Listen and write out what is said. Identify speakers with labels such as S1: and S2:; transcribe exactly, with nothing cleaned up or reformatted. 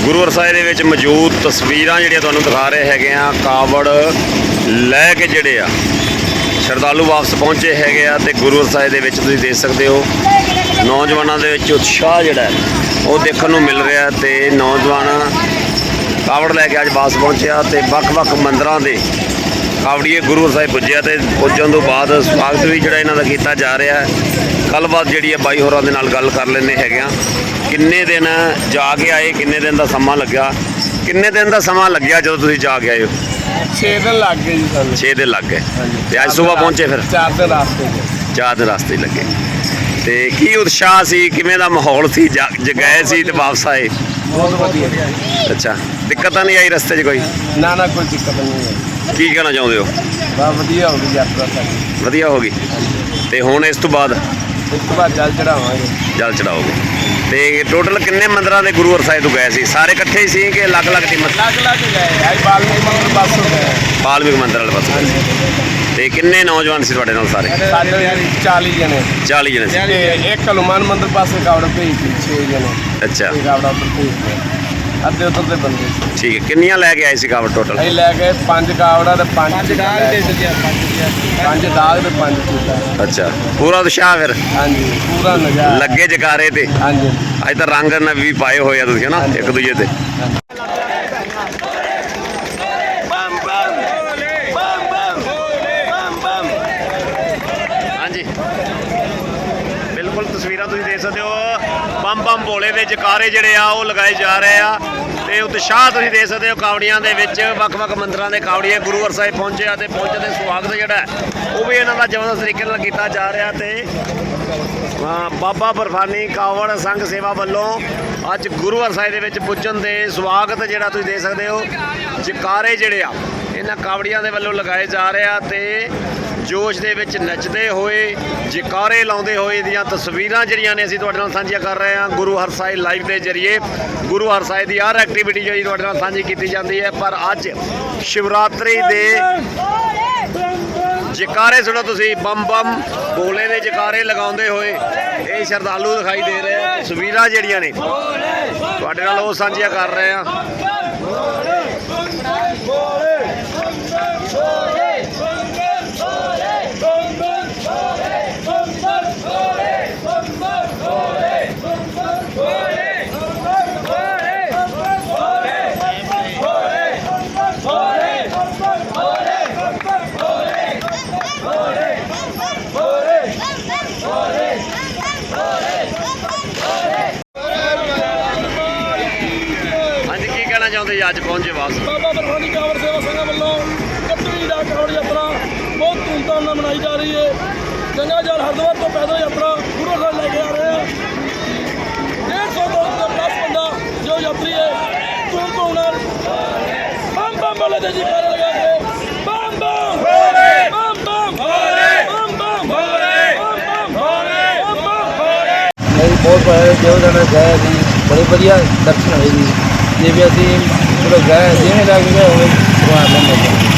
S1: ਗੁਰੂ ਸਾਹਿਬ ਦੇ ਵਿੱਚ ਮੌਜੂਦ ਤਸਵੀਰਾਂ ਜਿਹੜੀਆਂ ਤੁਹਾਨੂੰ ਦਿਖਾ ਰਹੇ ਹੈਗੇ ਆ। ਕਾਵੜ ਲੈ ਕੇ ਜਿਹੜੇ ਆ ਸ਼ਰਧਾਲੂ ਵਾਪਸ ਪਹੁੰਚੇ ਹੈਗੇ ਆ ਤੇ ਗੁਰੂ ਸਾਹਿਬ ਦੇ ਵਿੱਚ ਤੁਸੀਂ ਦੇਖ ਸਕਦੇ ਹੋ ਨੌਜਵਾਨਾਂ ਦੇ ਵਿੱਚ ਉਤਸ਼ਾਹ ਜਿਹੜਾ ਉਹ ਦੇਖਣ ਨੂੰ ਮਿਲ ਰਿਹਾ ਤੇ ਨੌਜਵਾਨ ਕਾਵੜ ਲੈ ਕੇ ਅੱਜ ਵਾਪਸ ਪਹੁੰਚਿਆ ਤੇ ਵੱਖ-ਵੱਖ ਮੰਦਰਾਂ ਦੇ ਕਾਵੜੀਏ ਗੁਰੂ ਸਾਹਿਬ ਪੁੱਜਿਆ ਤੇ ਪੁੱਜਣ ਤੋਂ ਬਾਅਦ ਸਵਾਗਤ ਵੀ ਜਿਹੜਾ ਇਹਨਾਂ ਦਾ ਕੀਤਾ ਜਾ ਰਿਹਾ ਹੈ। ਗੱਲਬਾਤ ਜਿਹੜੀ ਹੈ ਬਾਈ ਹੋਰਾਂ ਦੇ ਨਾਲ ਗੱਲ ਕਰ ਲੈਂਦੇ ਹੈਗੇ ਆ। ਕਿੰਨੇ ਦਿਨ ਜਾ ਕੇ ਆਏ, ਕਿੰਨੇ ਦਿਨ ਦਾ ਸਮਾਂ ਲੱਗਿਆ, ਕਿੰਨੇ ਦਿਨ ਦਾ ਸਮਾਂ ਲੱਗਿਆ ਜਦੋਂ ਤੁਸੀਂ ਜਾ ਕੇ ਆਏ ਹੋ?
S2: ਛੇ ਦਿਨ ਲੱਗ ਗਏ ਜੀ ਸਾਨੂੰ।
S1: ਛੇ ਦਿਨ ਲੱਗ ਗਏ ਤੇ ਅੱਜ ਸਵੇਰ ਪਹੁੰਚੇ ਫਿਰ?
S2: ਚਾਰ ਦਿਨ ਰਾਸਤੇ
S1: ਚਾਰ ਦਿਨ ਰਸਤੇ ਲੱਗੇ ਤੇ ਕੀ ਉਤਸ਼ਾਹ ਸੀ, ਕਿਵੇਂ ਦਾ ਮਾਹੌਲ ਸੀ? ਜ ਗਏ ਸੀ ਤੇ ਵਾਪਸ ਆਏ?
S2: ਬਹੁਤ ਵਧੀਆ।
S1: ਅੱਛਾ, ਦਿੱਕਤ ਨਹੀਂ ਆਈ ਰਸਤੇ 'ਚ ਕੋਈ?
S2: ਨਾ ਨਾ ਕੋਈ ਦਿੱਕਤ ਨਹੀਂ ਆਈ।
S1: ਕੀ ਕਹਿਣਾ ਚਾਹੁੰਦੇ ਹੋ?
S2: ਬਹੁਤ ਵਧੀਆ ਹੋ ਗਈ ਯਾਤਰਾ ਸਾਡੀ।
S1: ਵਧੀਆ ਹੋ ਗਈ ਤੇ ਹੁਣ ਇਸ ਤੋਂ ਬਾਅਦ
S2: ਇਸ ਤੋਂ ਬਾਅਦ ਜਲ ਚੜਾਵਾਂਗੇ।
S1: ਜਲ ਚੜਾਓਗੇ ਤੇ ਟੋਟਲ ਕਿੰਨੇ ਮੰਦਰਾਂ ਦੇ ਗੁਰੂ ਸਾਹਿਬ ਤੋਂ ਗਏ ਸੀ? ਸਾਰੇ ਇਕੱਠੇ ਹੀ ਸੀ ਕਿ ਅਲੱਗ-ਅਲੱਗ ਟੀਮਾਂ?
S2: ਅਲੱਗ-ਅਲੱਗ ਗਏ। ਅੱਜ ਬਾਲਮੀਕ ਮੰਦਰ ਪਾਸੋਂ ਗਏ।
S1: ਬਾਲਮੀਕ ਮੰਦਰ ਵਾਲੇ ਪਾਸੇ। ਤੇ ਕਿੰਨੇ ਨੌਜਵਾਨ ਸੀ ਤੁਹਾਡੇ ਨਾਲ ਸਾਰੇ?
S2: ਸਾਡੇ ਚਾਲੀ ਜਣੇ।
S1: ਚਾਲੀ ਜਣੇ ਸੀ।
S2: ਤੇ ਇੱਕ ਹਨੂੰਮਾਨ ਮੰਦਰ ਪਾਸੇ ਕਾਵੜ ਭੇਜੀ ਛੇ ਜਣੇ।
S1: ਅੱਛਾ,
S2: ਕਾਵੜਾ ਉੱਪਰ ਭੇਜਦੇ ਅੱਧੇ ਉੱਧਰ ਦੇ ਬੰਦੇ ਸੀ।
S1: ਠੀਕ ਹੈ। ਕਿੰਨੀਆਂ ਲੈ ਕੇ ਆਏ ਸੀ ਕਾਵੜ ਟੋਟਲ?
S2: ਅਸੀਂ ਲੈ ਗਏ ਪੰਜ ਕਾਵੜਾ ਤੇ ਪੰਜ ਦਾਗ ਦੇ ਦਿੱਤੇ। ਪੰਜ ਦਾਗ ਤੇ ਪੰਜ ਚੂੜਾ।
S1: ਅੱਛਾ, ਪੂਰਾ ਉਤਸ਼ਾਹ ਫਿਰ?
S2: ਹਾਂਜੀ, ਪੂਰਾ ਨਜ਼ਾਰਾ
S1: ਲੱਗੇ ਜਕਾਰੇ ਤੇ।
S2: ਹਾਂਜੀ,
S1: ਅੱਜ ਤਾਂ ਰੰਗ ਨਾਲ ਵੀ ਪਾਏ ਹੋਏ ਆ ਤੁਸੀਂ ਹੈ ਨਾ ਇੱਕ ਦੂਜੇ ਤੇ। ਹਾਂਜੀ, ਬਿਲਕੁਲ ਤਸਵੀਰਾਂ ਤੁਸੀਂ ਦੇਖ ਸਕਦੇ ਹੋ। ਬੰਮ ਬੰਮ ਭੋਲੇ ਦੇ ਜਕਾਰੇ ਜਿਹੜੇ ਆ ਉਹ ਲਗਾਏ ਜਾ ਰਹੇ ਆ ਤੇ ਉਤਸ਼ਾਹ ਤੁਸੀਂ ਦੇਖ ਸਕਦੇ ਹੋ ਕਾਵੜੀਆਂ ਦੇ ਵਿੱਚ। ਵੱਖ-ਵੱਖ ਮੰਦਰਾਂ ਦੇ ਕਾਵੜੀਏ ਗੁਰੂ ਸਾਹਿਬ ਪਹੁੰਚੇ ਆ ਤੇ ਪਹੁੰਚਣ ਦੇ ਸਵਾਗਤ ਜਿਹੜਾ ਉਹ ਵੀ ਇਹਨਾਂ ਦਾ ਜ਼ਬਰਦਸਤ ਤਰੀਕੇ ਨਾਲ ਕੀਤਾ ਜਾ ਰਿਹਾ ਤੇ ਬਾਬਾ ਬਰਫਾਨੀ ਕਾਵੜ ਸੰਘ ਸੇਵਾ ਵੱਲੋਂ ਅੱਜ ਗੁਰੂ ਸਾਹਿਬ ਦੇ ਵਿੱਚ ਪੁੱਜਣ ਦੇ ਸਵਾਗਤ ਜਿਹੜਾ ਤੁਸੀਂ ਦੇਖ ਸਕਦੇ ਹੋ ਜਕਾਰੇ ਜਿਹੜੇ ਆ ਇਹਨਾਂ ਕਾਵੜੀਆਂ ਦੇ ਵੱਲੋਂ ਲਗਾਏ ਜਾ ਰਹੇ ਆ ਤੇ ਜੋਸ਼ ਦੇ ਵਿੱਚ ਨੱਚਦੇ ਹੋਏ ਜਕਾਰੇ ਲਾਉਂਦੇ ਹੋਏ ਦੀਆਂ ਤਸਵੀਰਾਂ ਜਿਹੜੀਆਂ ਨੇ ਅਸੀਂ ਤੁਹਾਡੇ ਨਾਲ ਸਾਂਝੀਆਂ ਕਰ ਰਹੇ ਹਾਂ ਗੁਰੂ ਹਰਸਾਏ ਲਾਈਵ ਦੇ ਜ਼ਰੀਏ। ਗੁਰੂ ਹਰਸਾਏ ਦੀ ਹਰ ਐਕਟੀਵਿਟੀ ਜਿਹੜੀ ਤੁਹਾਡੇ ਨਾਲ ਸਾਂਝੀ ਕੀਤੀ ਜਾਂਦੀ ਹੈ, ਪਰ ਅੱਜ ਸ਼ਿਵਰਾਤਰੀ ਦੇ ਜਕਾਰੇ ਸੁਣੋ ਤੁਸੀਂ। ਬੰਮ ਬੰਮ ਭੋਲੇ ਦੇ ਜਕਾਰੇ ਲਗਾਉਂਦੇ ਹੋਏ ਇਹ ਸ਼ਰਧਾਲੂ ਦਿਖਾਈ ਦੇ ਰਹੇ ਆ। ਤਸਵੀਰਾਂ ਜਿਹੜੀਆਂ ਨੇ ਤੁਹਾਡੇ ਨਾਲ ਉਹ ਸਾਂਝੀਆਂ ਕਰ ਰਹੇ ਆ। ਚਾਹੁੰਦੇ ਅੱਜ ਪਹੁੰਚੇ ਵਾਪਸ?
S3: ਬਾਬਾ ਬਰਫਾਨੀ ਕਾਵੜ ਸੇਵਾ ਸੰਘ ਵੱਲੋਂ ਇਕੱਤਵੀਂ ਡਾ ਕਾਵੜ ਯਾਤਰਾ ਬਹੁਤ ਧੂਮਧਾਮ ਨਾਲ ਮਨਾਈ ਜਾ ਰਹੀ ਹੈ। ਗੰਗਾ ਜਲ ਹਰਿਦੁਆਰ ਤੋਂ ਪੈਦਲ ਯਾਤਰਾ ਗੁਰੂ ਸਾਹਿਬ ਲੈ ਕੇ ਆ ਰਹੇ ਹਾਂ। ਡੇਢ ਸੌ ਤੋਂ ਪਲੱਸ ਬੰਦਾ ਜੋ ਯਾਤਰੀ ਹੈ ਧੂਮ ਧੂਮ ਨਾਲ ਬੰਮ ਬੰਮ ਵਾਲੇ ਦੇ ਜਕਾਰੇ ਲਗਾ ਕੇ ਬੰਮ ਬੰਮ ਭੋਲੇ ਬੰਮ ਬੰਮ ਭੋਲੇ ਬੰਮ ਬੰਮ ਭੋਲੇ ਬੰਮ ਬੰਮ ਭੋਲੇ ਬੰਮ ਬੰਮ ਭੋਲੇ।
S2: ਨਹੀਂ ਬਹੁਤ ਵਧੀਆ ਜੋ ਜਣੇ ਗਏ ਸੀ ਬੜੇ ਵਧੀਆ ਦਰਸ਼ਨ ਹੋਏ ਜੀ। ਜੇ ਵੀ ਅਸੀਂ ਚਲੋ ਗਏ ਜਿਵੇਂ ਲੱਗ ਗਏ ਹੋਵੇ ਸਵਾਦ ਲੈਂਦੇ